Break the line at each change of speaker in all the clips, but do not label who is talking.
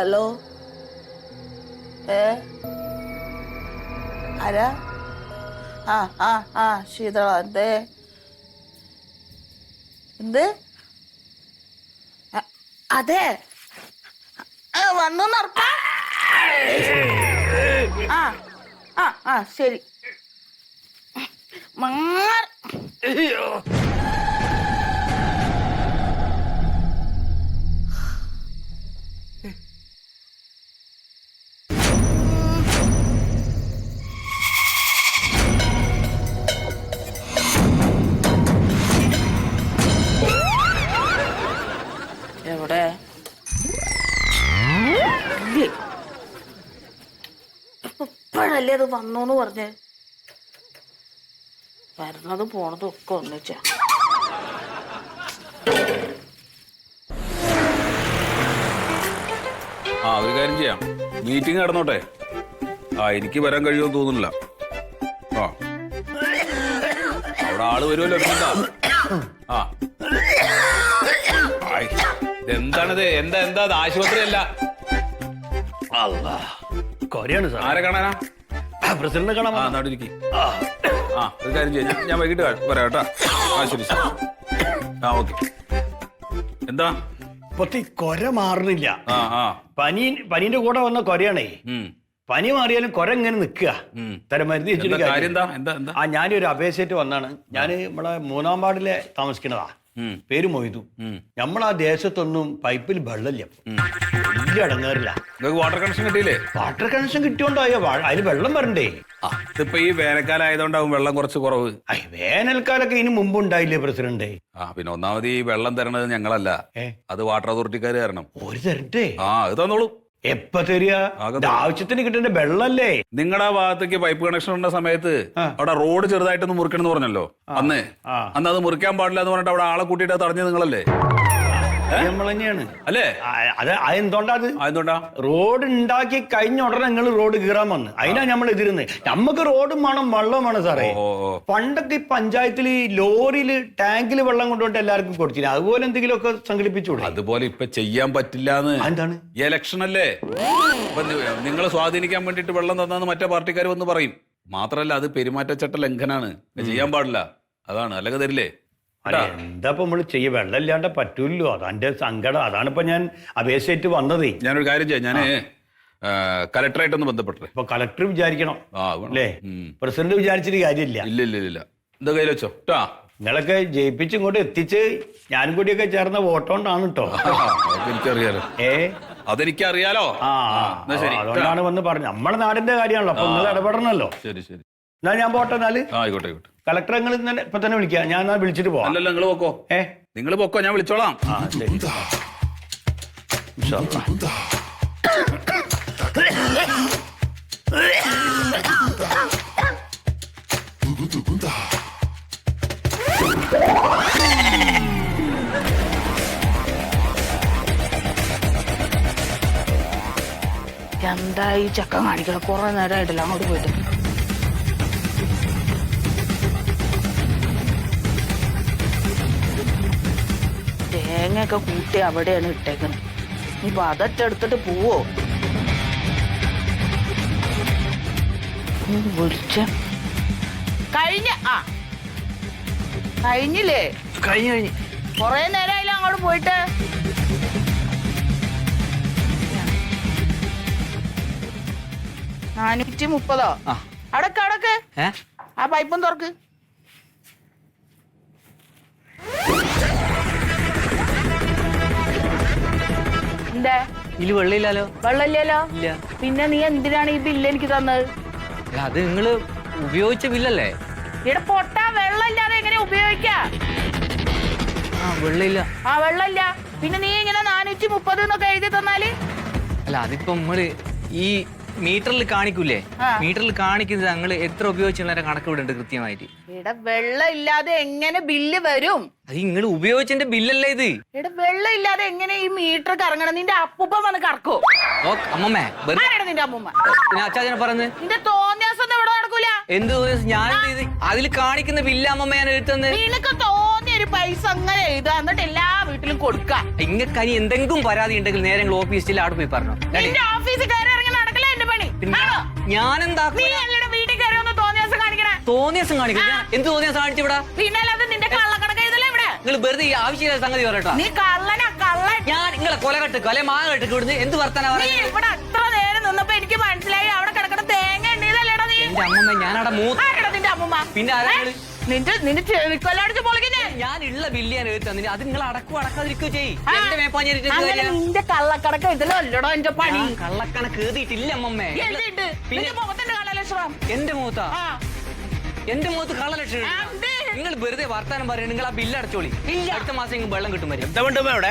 Hello ആരാ? ശീതള എന്തേ? എന്ത്? അതെ വന്നു ശരി. എവിടെ? ഇപ്പോഴല്ലേ അത് വന്നോന്ന് പറഞ്ഞ്? വരുന്നതും പോണതും ഒക്കെ ഒന്നിച്ചാ.
ഒരു കാര്യം ചെയ്യാം, മീറ്റിംഗ് നടന്നോട്ടെ. എനിക്ക് വരാൻ കഴിയുമെന്ന് തോന്നുന്നില്ല. അവിടെ ആള് വരുമല്ലോ. എന്താണിത്? എന്താ ആശുപത്രി അല്ല. ആരെ കാണാനാ?
പ്രസിഡന്റ് കാണാൻ.
ഒരു കാര്യം ചെയ്യാം, ഞാൻ വൈകിട്ട് വരാം കേട്ടാ. ശരി. ഓക്കെ. എന്താ
പൊത്തി കൊര മാറുന്നില്ല. പനീന്റെ കൂടെ വന്ന കൊരയാണേ. പനി മാറിയാലും കൊര ഇങ്ങനെ നിക്കുക. മരുന്ന് വെച്ചിട്ട് ഞാനൊരു അപേക്ഷയായിട്ട് വന്നാണ്. ഞാൻ നമ്മളെ 3-ാം വാർഡിലെ താമസിക്കുന്നതാ. പേര് മൊയ്തു. നമ്മളാ ദേശത്തൊന്നും പൈപ്പിൽ വെള്ളമില്ല. വലിയ അടങ്ങാറില്ല.
വാട്ടർ കണക്ഷൻ കിട്ടിയില്ലേ?
വാട്ടർ കണക്ഷൻ കിട്ടിയോണ്ടായോ? അതിന് വെള്ളം വരണ്ടേ?
ഇതിപ്പോ ഈ വേനൽക്കാലം ആയതുകൊണ്ടാവും വെള്ളം കുറച്ച് കുറവ്.
വേനൽക്കാലൊക്കെ ഇതിന് മുമ്പ് ഉണ്ടായില്ലേ പ്രസിഡന്റ്?
പിന്നെ ഒന്നാമത് ഈ വെള്ളം തരണത് ഞങ്ങളല്ല, അത് വാട്ടർ അതോറിറ്റിക്കാര് തരണം.
ഒരു തരട്ടെ?
അത് തന്നോളൂ.
എപ്പ തരിക? ആവശ്യത്തിന് കിട്ടേണ്ട വെള്ളല്ലേ?
നിങ്ങളുടെ ഭാഗത്തേക്ക് പൈപ്പ് കണക്ഷൻ ഉള്ള സമയത്ത് അവിടെ റോഡ് ചെറുതായിട്ടൊന്ന് മുറിക്കണം പറഞ്ഞല്ലോ. അന്ന് അത് മുറിക്കാൻ പാടില്ല എന്ന് പറഞ്ഞിട്ട് അവിടെ ആളെ കൂട്ടിയിട്ട് തടഞ്ഞത് നിങ്ങളല്ലേ?
നമ്മൾ തന്നെയാണ്
അല്ലേ?
അതെന്തുകൊണ്ടാ? റോഡ് ഉണ്ടാക്കി കഴിഞ്ഞ ഉടനെ നിങ്ങൾ റോഡ് കീറാൻ വന്ന്. അതിനാ നമ്മൾ എതിരുന്നത്. നമുക്ക് റോഡും വേണം, വെള്ളം വേണം സാറേ. പണ്ടൊക്കെ ഈ പഞ്ചായത്തിൽ ലോറിയില് ടാങ്കില് വെള്ളം കൊണ്ടുപോയിട്ട് എല്ലാവർക്കും കൊടുത്തില്ല. അതുപോലെ എന്തെങ്കിലും ഒക്കെ സംഘടിപ്പിച്ചൂടെ?
അതുപോലെ ഇപ്പൊ ചെയ്യാൻ പറ്റില്ല.
എന്താണ്?
ഇലക്ഷൻ അല്ലേ? നിങ്ങളെ സ്വാധീനിക്കാൻ വേണ്ടിട്ട് വെള്ളം തന്നാന്ന് മറ്റേ പാർട്ടിക്കാർ വന്ന് പറയും. മാത്രല്ല അത് പെരുമാറ്റച്ചട്ട ലംഘനാണ്, ചെയ്യാൻ പാടില്ല. അതാണ്, അല്ലെങ്കിൽ തരില്ലേ?
എന്താ നമ്മള് ചെയ്യ? വെള്ളം ഇല്ലാണ്ട് പറ്റൂല്ലോ. അതാന്റെ സങ്കടം. അതാണിപ്പോ ഞാൻ അപേക്ഷയായിട്ട് വന്നത്.
ഞാനൊരു കാര്യം ചെയ്യാം, ഞാന് കലക്ടറായിട്ടൊന്ന് ബന്ധപ്പെട്ടെ.
ഇപ്പൊ കലക്ടർ വിചാരിക്കണം അല്ലേ? പ്രസിഡന്റ് വിചാരിച്ചിട്ട് കാര്യമില്ല.
ഇല്ല. എന്താ കയ്യിൽ വെച്ചോ.
നിങ്ങളൊക്കെ ജയിപ്പിച്ച് ഇങ്ങോട്ട് എത്തിച്ച് ഞാനും കൂടിയൊക്കെ ചേർന്ന വോട്ടോണ്ടാണ് കേട്ടോ.
എനിക്കറിയാലോ. അതെനിക്കറിയാലോ.
അതുകൊണ്ടാണ് വന്ന് പറഞ്ഞു. നമ്മുടെ നാടിന്റെ കാര്യമാണല്ലോ, അപ്പൊ നിങ്ങൾ ഇടപെടണല്ലോ.
ശരി.
എന്നാ ഞാൻ പോട്ടെ. എന്നാല്
ആയിക്കോട്ടെ.
കളക്ടറെ നിങ്ങൾ ഇപ്പൊ തന്നെ വിളിക്കാം. ഞാൻ വിളിച്ചിട്ട് പോവാം.
അല്ലല്ലോ, നിങ്ങൾ പൊക്കോ. നിങ്ങൾ പൊക്കോ, ഞാൻ വിളിച്ചോളാം.
ശരി.
എന്താ ഈ ചക്ക കാണിക്കണം? കുറെ നേരമായിട്ടില്ല അങ്ങോട്ട് പോയിട്ട്. തേങ്ങയൊക്കെ കൂട്ടി അവിടെയാണ് ഇട്ടേക്കുന്നത്. ഇനിയിപ്പൊ അതൊക്കെ എടുത്തിട്ട് പോവോ? വിളിച്ച കഴിഞ്ഞില്ലേ?
കഴിഞ്ഞു.
കൊറേ നേരമായില്ല അങ്ങോട്ട് പോയിട്ട്. $430. അടക്ക് ആ പൈപ്പും തുറക്ക്. എന്താ
ഇതില് വെള്ളമില്ലല്ലോ?
വെള്ളമില്ലല്ലോ. പിന്നെ നീ എന്തിനാണ് ഈ ബില്ല് എനിക്ക് തന്നത്?
അത് നിങ്ങള് ഉപയോഗിച്ച ബില്ലല്ലേ?
ഇവിടെ പൊട്ടാ വെള്ളമില്ലാതെ എങ്ങനെ ഉപയോഗിക്കാ?
വെള്ളമില്ല.
വെള്ളമില്ല. പിന്നെ നീ ഇങ്ങനെ 430 എന്നൊക്കെ എഴുതി തന്നാല്?
അല്ല, അതിപ്പോ നമ്മള് ഈ മീറ്ററിൽ കാണിക്കൂലേ? മീറ്ററിൽ കാണിക്കുന്നത് ഞങ്ങൾ എത്ര ഉപയോഗിച്ചുള്ള കണക്ക് ഇവിടെ ഉണ്ട് കൃത്യമായിട്ട്.
ഇവിടെ വെള്ളം ഇല്ലാതെ എങ്ങനെ ബില്ല് വരും?
അത് നിങ്ങൾ ഉപയോഗിച്ചതിന്റെ ബില്ലല്ലേ ഇത്?
ഇവിടെ വെള്ളം ഇല്ലാതെ എങ്ങനെ ഈ മീറ്റർ കറങ്ങണം? നിന്റെ അപ്പൂപ്പ വന്ന് കറക്കോ?
അമ്മമ്മേ,
നിന്റെ അമ്മൂമ്മ
അച്ചാച്ചനെ പറഞ്ഞ്
നിന്റെ തോന്നിയാസം ഇവിടെ നടക്കൂല.
എന്ത് ഞാൻ അതിൽ കാണിക്കുന്ന ബില്ല് അമ്മമ്മ ഞാൻ എഴുതുന്നത്.
നിനക്ക് തോന്നിയൊരു പൈസ അങ്ങനെ എഴുതാ, എന്നിട്ട് എല്ലാ വീട്ടിലും ആർക്കെങ്കിലും കൊടുക്കാം.
ഇങ്ങക്ക് ഇനി എന്തെങ്കിലും പരാതി ഉണ്ടെങ്കിൽ നേരെ നിങ്ങൾ ഓഫീസിൽ അവിടെ പോയി പറഞ്ഞു.
നിന്റെ ഓഫീസിൽ കയറി ഇറങ്ങി നടക്കില്ല എന്റെ പണി. ആണോ?
ഞാനെന്താ
നീ അല്ലടെ വീട്ടിൽ കയറി ഒന്ന് തോന്നിയാസം കാണിക്കണേ.
തോന്നിയാസം കാണിക്കും? എന്ത് തോന്നിയാസം കാണിച്ചു ഇവിടെ?
പിന്നെ അല്ലാതെ നിന്റെ കള്ളക്കണക്ക് എഴുതല്ലേ ഇവിടെ?
നിങ്ങൾ വെറുതെ ഈ ആവശ്യമില്ലാത്ത സംഗതി പറയട്ടോ.
നീ കള്ളനാ കള്ളൻ.
ഞാൻ നിങ്ങളെ കൊല കെട്ടുക്കോ അല്ലെ മാങ്ങ കെട്ടുക്കോ ഇവിടുന്ന് എന്ത് വർത്താനാ
നീ
പറയുന്നത്?
ഇവിടെ അത്ര നേരം നിന്നപ്പോ എനിക്ക് മനസ്സിലായി അവിടെ കിടക്കണ തേങ്ങ ഉണ്ടല്ലേടാ നീ.
എന്റെ അമ്മമ്മ ഞാനവിടെ
ആരെടാ നിന്റെ അമ്മൂമ്മ?
പിന്നെ ആരാണ്?
നിന്റെ ചെവിക്കൊല്ലടിച്ച് പൊളിക്കുന്നേ.
ഞാൻ ഉള്ള ബില്ലിയാണ് എഴുതി തന്നെ അത് നിങ്ങൾ അടക്കാതിരിക്കുകയോ ചെയ്യും. എന്റെ മേപ്പാഞ്ഞിട്ട്
അങ്ങനെ നിന്റെ കള്ളക്കണക്ക് ഇതിലോ അല്ലടോ എന്റെ പണി.
കള്ളക്കണക്ക് എഴുതിയിട്ടില്ല അമ്മമ്മേ.
എഴുതിയിട്ട് നിന്റെ മുഖത്തിന്റെ കള്ളലക്ഷണം.
എന്റെ മുഖത്താ?
ആ.
എന്റെ മുഖത്ത് കള്ളലക്ഷണം?
ആ, ഉണ്ട്.
നിങ്ങൾ വെറുതെ വർത്താനം പറയണം. നിങ്ങൾ ആ ബില്ല് അടച്ചോളി.
ഇല്ല.
അടുത്ത മാസം നിങ്ങൾക്ക് വെള്ളം കിട്ടും വരും.
എന്താ വേണ്ടമ്മ അവിടെ?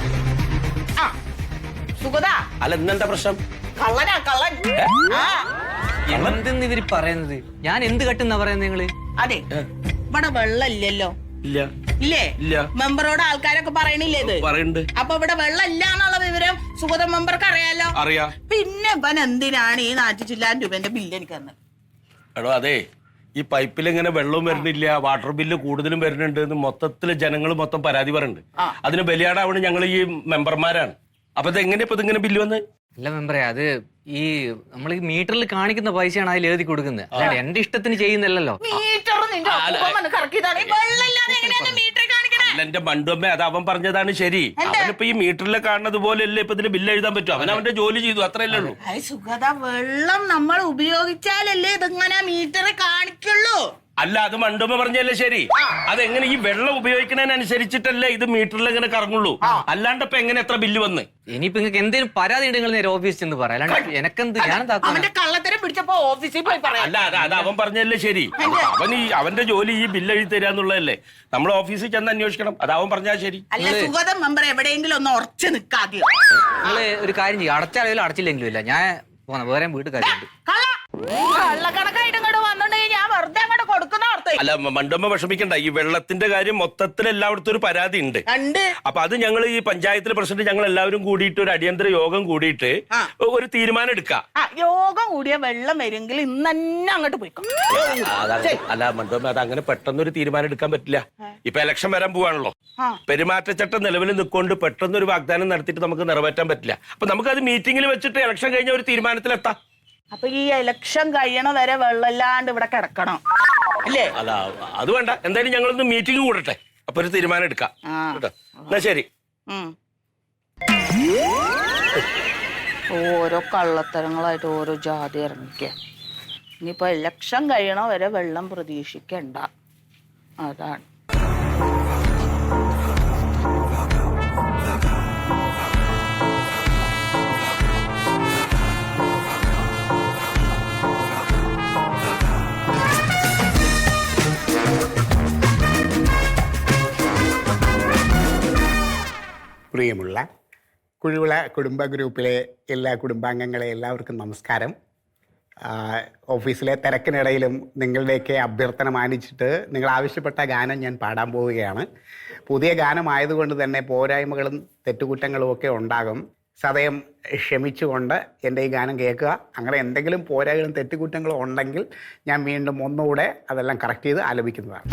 ആ. സുഗതാ
അല്ല ഇന്നെന്താ പ്രശ്നം?
കള്ളനാ കള്ളൻ. ആ.
എന്തെന്ന് ഇവര് പറയുന്നത്? ഞാൻ എന്ത് കെട്ടുന്നാ പറയുന്നത് നിങ്ങള്?
അതെ ഇവിടെ വെള്ളം ഇല്ലല്ലോ.
ഇല്ല
ഇല്ലേ?
ഇല്ല.
മെമ്പറോട് ആൾക്കാരൊക്കെ പറയണില്ലേ ഇത്?
പറയുന്നുണ്ട്.
അപ്പൊ ഇവിടെ വെള്ളം ഇല്ല എന്നുള്ള വിവരം സുഗത മെമ്പർക്ക് അറിയാലോ.
അറിയാ.
പിന്നെ ഇവൻ എന്തിനാണ് ഈ 400 രൂപന്റെ ബില്ല് എനിക്ക് തന്നത്?
എടോ അതെ, ഈ പൈപ്പിൽ ഇങ്ങനെ വെള്ളവും വരുന്നില്ല, വാട്ടർ ബില്ല് കൂടുതലും വരുന്നുണ്ട് എന്ന് മൊത്തത്തില് ജനങ്ങൾ മൊത്തം പരാതി പറയുന്നുണ്ട്. അതിന് ബലിയാടാവണ് ഞങ്ങൾ ഈ മെമ്പർമാരാണ്. അപ്പൊ ഇത് എങ്ങനെയാ ഇപ്പൊ ഇതിങ്ങനെ ബില്ല് വന്ന്?
അല്ല മെമ്പറേ, അത് ഈ നമ്മൾ ഈ മീറ്ററിൽ കാണിക്കുന്ന പൈസയാണ് അതിൽ എഴുതി കൊടുക്കുന്നത്. അല്ലാണ്ട് എന്റെ ഇഷ്ടത്തിന് ചെയ്യുന്നില്ലല്ലോ.
മീറ്റർ നിന്റെ ഒപ്പം കറക്കിയതാണ്. ഈ വെള്ളം ഇല്ലാതെ എങ്ങനെയാണ് മീറ്റർ കാണിക്കണേ?
അല്ല എന്റെ മണ്ടുമ്മ, അത് അവൻ പറഞ്ഞതാണ് ശരി. അവനിപ്പോ ഈ മീറ്ററിൽ കാണുന്നത് പോലെയല്ലേ ഇപ്പൊ ഇതിന് ബില്ല് എഴുതാൻ പറ്റും. അവൻ അവന്റെ ജോലി ചെയ്തു, അത്രയല്ലേ ഉള്ളൂ.
സുഗത, വെള്ളം നമ്മൾ ഉപയോഗിച്ചാലല്ലേ ഇതിങ്ങനെ മീറ്റർ കാണിക്കുള്ളൂ.
അല്ല അത് മണ്ടുമ്മ പറഞ്ഞല്ലേ ശരി. അതെങ്ങനെ ഈ വെള്ളം ഉപയോഗിക്കുന്നതിനനുസരിച്ചിട്ടല്ലേ ഇത് മീറ്ററിൽ ഇങ്ങനെ കറങ്ങുള്ളൂ. അല്ലാണ്ട് ഇപ്പൊ എങ്ങനെ എത്ര ബില്ല് വന്ന്?
ഇനിയിപ്പോ നിങ്ങൾക്ക് എന്തെങ്കിലും പരാതി ഉണ്ടെങ്കിൽ നേരെ ഓഫീസിൽ ചെന്ന് പറയാം. അല്ലാണ്ട് എനക്കെന്ത്
അവന്റെ കള്ളത്തരം പിടിച്ചപ്പോ ഓഫീസിൽ പോയി പറയാം.
അല്ല അത് അവൻ പറഞ്ഞല്ലേ ശരി. അവന്റെ ജോലി ഈ ബില്ല് എഴുതി തരാന്നുള്ളതല്ലേ. നമ്മൾ ഓഫീസിൽ ചെന്ന് അന്വേഷിക്കണം. അത് അവൻ പറഞ്ഞാൽ ശരി.
അല്ല സുഗത മെമ്പർ എവിടെയെങ്കിലും ഒന്ന് ഉറച്ചു നിൽക്കാതെ
നിങ്ങള് ഒരു കാര്യം ചെയ്യും, അടച്ചാലും അടച്ചില്ലെങ്കിലും ഇല്ല, ഞാൻ പോന്ന വേറെ വീട്ടിൽ കാര്യമുണ്ട്.
കള്ളക്കണക്കായിട്ട് ഇങ്ങോട്ട് വന്നിട്ടുണ്ടെങ്കിൽ ഞാൻ വെറുതെ അങ്ങോട്ട് കൊടുക്കുന്ന ഓർത്ത്.
അല്ല മണ്ടുമ്മ വിഷമിക്കണ്ട. ഈ വെള്ളത്തിന്റെ കാര്യം മൊത്തത്തിൽ എല്ലായിടത്തും ഒരു പരാതി ഉണ്ട്. അപ്പൊ അത് ഞങ്ങൾ ഈ പഞ്ചായത്തിലെ പ്രസിഡന്റ് ഞങ്ങൾ എല്ലാവരും കൂടിയിട്ട് ഒരു അടിയന്തര യോഗം കൂടിയിട്ട് ഒരു തീരുമാനം എടുക്കാം.
യോഗം കൂടിയ വെള്ളം വരുമെങ്കിൽ ഇന്ന് തന്നെ അങ്ങോട്ട് പോയിക്കോ.
അല്ല മണ്ടുമ്മ, അത് അങ്ങനെ പെട്ടെന്നൊരു തീരുമാനം എടുക്കാൻ പറ്റില്ല. ഇപ്പൊ ഇലക്ഷൻ വരാൻ പോവാണല്ലോ. പെരുമാറ്റച്ചട്ടം നിലവിൽ നിൽക്കൊണ്ട് പെട്ടെന്നൊരു വാഗ്ദാനം നടത്തിയിട്ട് നമുക്ക് നിറവേറ്റാൻ പറ്റില്ല. അപ്പൊ നമുക്കത് മീറ്റിംഗിൽ വെച്ചിട്ട് ഇലക്ഷൻ കഴിഞ്ഞ ഒരു തീരുമാനത്തിലെത്താം.
അപ്പൊ ഈ ഇലക്ഷൻ കഴിയണ വരെ വെള്ളമില്ലാണ്ട് ഇവിടെ കിടക്കണം അല്ലേ?
അല്ല അത് വേണ്ട. എന്തായാലും ഞങ്ങളൊന്ന് മീറ്റിംഗ് കൂടട്ടെ, അപ്പൊ ഒരു തീരുമാനം എടുക്കാം കേട്ടോ. എന്നാ ശരി.
ഓരോ കള്ളത്തരങ്ങളായിട്ട് ഓരോ ജാതി ഇറങ്ങിക്ക. ഇനിയിപ്പോ ഇലക്ഷൻ കഴിയണ വരെ വെള്ളം പ്രതീക്ഷിക്കണ്ട. അതാണ്.
പ്രിയമുള്ള കുഴുവിള കുടുംബ ഗ്രൂപ്പിലെ എല്ലാ കുടുംബാംഗങ്ങളെ എല്ലാവർക്കും നമസ്കാരം. ഓഫീസിലെ തിരക്കിനിടയിലും നിങ്ങളുടെയൊക്കെ അഭ്യർത്ഥന മാനിച്ചിട്ട് നിങ്ങൾ ആവശ്യപ്പെട്ട ഗാനം ഞാൻ പാടാൻ പോവുകയാണ്. പുതിയ ഗാനമായതുകൊണ്ട് തന്നെ പോരായ്മകളും തെറ്റുകുറ്റങ്ങളും ഒക്കെ ഉണ്ടാകും. സദയം ക്ഷമിച്ചുകൊണ്ട് എൻ്റെ ഈ ഗാനം കേൾക്കുക. അങ്ങനെ എന്തെങ്കിലും പോരായ്മകളും തെറ്റുകുറ്റങ്ങളും ഉണ്ടെങ്കിൽ ഞാൻ വീണ്ടും ഒന്നുകൂടെ അതെല്ലാം കറക്റ്റ് ചെയ്ത് ആലപിക്കുന്നതാണ്.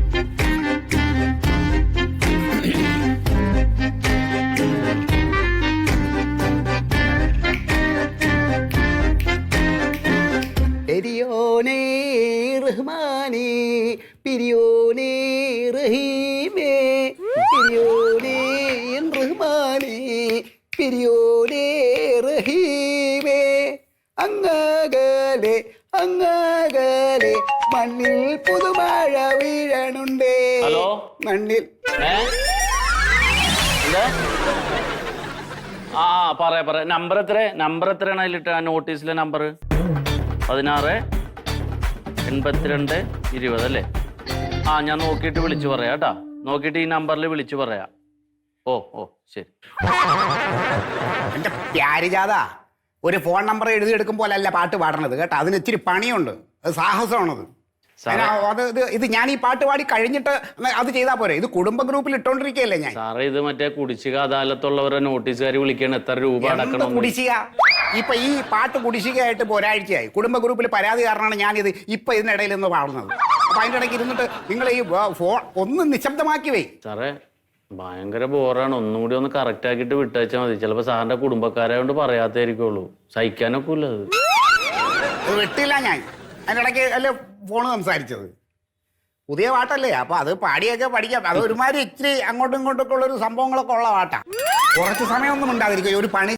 പെരിയോനേ റഹ്മാനേ പിരിയോനേ റഹീമേ പിരിയോനേ റഹ്മാനേ പിരിയോനേ റഹീമേ അങ്ങകലെ അങ്ങകലെ മണ്ണിൽ പുതുമഴ വീഴണുണ്ടേ.
ഹലോ
മണ്ണിൽ
ആ പറയാ നമ്പർ എത്രയാണ് അതിലിട്ട നോട്ടീസിലെ നമ്പർ? 16 82 20 അല്ലേ? ആ ഞാൻ നോക്കിയിട്ട് വിളിച്ചു പറയാം കേട്ടാ. നോക്കിയിട്ട് ഈ നമ്പറിൽ വിളിച്ചു പറയാം. ഓ ശരി.
എൻ്റെ പ്യാരിജാത, ഒരു ഫോൺ നമ്പർ എഴുതിയെടുക്കും പോലല്ല പാട്ട് പാടണത് കേട്ടോ. അതിന് ഇച്ചിരി പണിയുണ്ട്, അത് സാഹസമാണത്. ഇത് ഞാൻ ഈ പാട്ട് പാടി കഴിഞ്ഞിട്ട് അത് ചെയ്താൽ പോരെ? ഇത് കുടുംബ ഗ്രൂപ്പിൽ ഇട്ടോണ്ടിരിക്കുകയല്ലേ ഞാൻ.
സാറേ ഇത് മറ്റേ കുടിശ്ശിക അദാലത്തുള്ളവരെ നോട്ടീസുകാർ വിളിക്കണം. എത്ര രൂപ അടക്കണം?
കുടിശ്ശിക ഇപ്പൊ ഈ പാട്ട് കുടിശ്ശികയായിട്ട് ഇപ്പോൾ ഒരാഴ്ചയായി. കുടുംബ ഗ്രൂപ്പിൽ പരാതി കാരണമാണ് ഞാനിത് ഇപ്പൊ ഇതിനിടയിൽ നിന്ന് പാടുന്നത്. അപ്പൊ അതിൻ്റെ ഇടയ്ക്ക് ഇരുന്നിട്ട് നിങ്ങൾ ഈ ഫോൺ ഒന്ന് നിശബ്ദമാക്കി വേ.
സാറേ ഭയങ്കര ബോറാണ്. ഒന്നുകൂടി ഒന്ന് കറക്റ്റ് ആക്കിയിട്ട് വിട്ടയച്ചാൽ മതി. ചിലപ്പോ സാറിന്റെ കുടുംബക്കാരായോണ്ട് പറയാത്തായിരിക്കുള്ളൂ. സഹിക്കാനൊക്കെ ഇല്ല അത്.
അത് വെട്ടില്ല ഞാൻ. അതിൻ്റെ ഇടയ്ക്ക് അല്ലേ ഫോണ് സംസാരിച്ചത്. പുതിയ പാട്ടല്ലേ, അപ്പൊ അത് പാടിയൊക്കെ പഠിക്കാം. അത് ഒരുമാതിരി ഇച്ചിരി അങ്ങോട്ടും ഇങ്ങോട്ടൊക്കെ ഉള്ളൊരു സംഭവങ്ങളൊക്കെ ഉള്ള പാട്ടാ. കുറച്ച് സമയമൊന്നും ഉണ്ടാതിരിക്കും. ഒരു പണി